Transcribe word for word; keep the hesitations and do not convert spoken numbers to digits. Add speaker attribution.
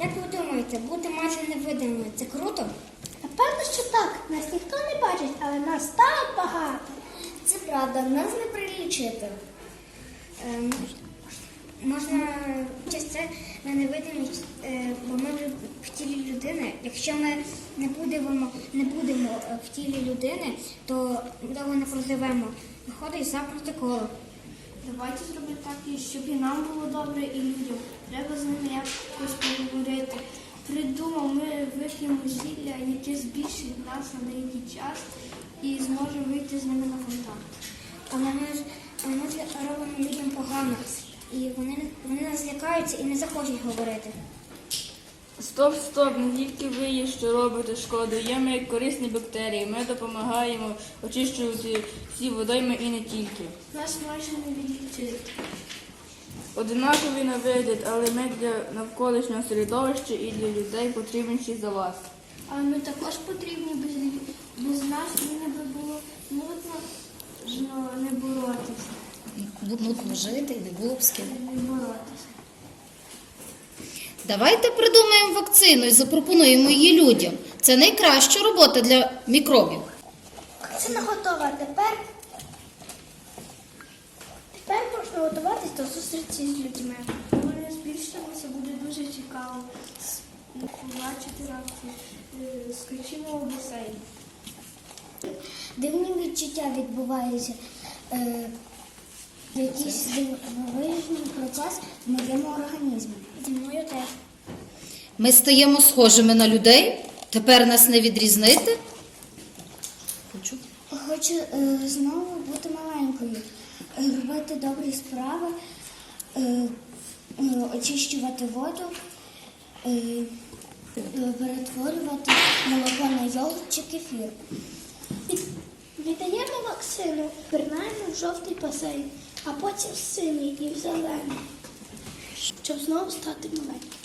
Speaker 1: Як ви думаєте, бути майже невидимою – це круто?
Speaker 2: Напевно, що так. Нас ніхто не бачить, але нас так багато.
Speaker 1: Це правда, нас не прилічити. Ем, можна через це на невидимість, е, бо ми вже в тілі людини. Якщо ми не будемо, не будемо в тілі людини, то довго не проживемо. Виходить за протоколом.
Speaker 3: Давайте зробимо так, і щоб і нам було добре, і людям. Треба з ними якось поговорити. Придумав, ми вип'ємо зілля, яке збільшить нас на деякий час і зможемо вийти з ними на контакт.
Speaker 1: Але ми ж ми ж робимо людям погано. І вони, вони нас лякаються і не захочуть говорити.
Speaker 4: Стоп, стоп, не тільки ви є, що робите шкоду. Є ми як корисні бактерії. Ми допомагаємо очищувати всі водойми і не тільки.
Speaker 3: Нас майже не відлічити.
Speaker 4: Одинакові на вигляд, але ми для навколишнього середовища і для людей потрібніші за вас.
Speaker 3: Але ми також потрібні, без, без нас не би було нудно не боротися.
Speaker 5: Нудно жити і не було б з ким.
Speaker 3: Не боротися.
Speaker 5: Давайте придумаємо вакцину і запропонуємо її людям. Це найкраща робота для мікробів.
Speaker 2: Вакцина готова. Тепер, тепер можна готуватись до зустрічі з людьми.
Speaker 3: Коли вони збільшилися, буде дуже цікаво побачити реакцію. Е, Скачімо у басейн.
Speaker 1: Дивні відчуття відбуваються. Е, якийсь дивовижний процес в моєму організмі. Зі мною теж.
Speaker 5: Ми стаємо схожими на людей. Тепер нас не відрізнити. Хочу.
Speaker 1: Хочу е, знову бути маленькою, е, робити добрі справи, е, е, очищувати воду, е, е, перетворювати молоко на йогурт чи кефір.
Speaker 2: Віддаємо вакцину, пірнаємо в жовтий басейн, а потім в синій і в зелений, щоб знову стати маленьким.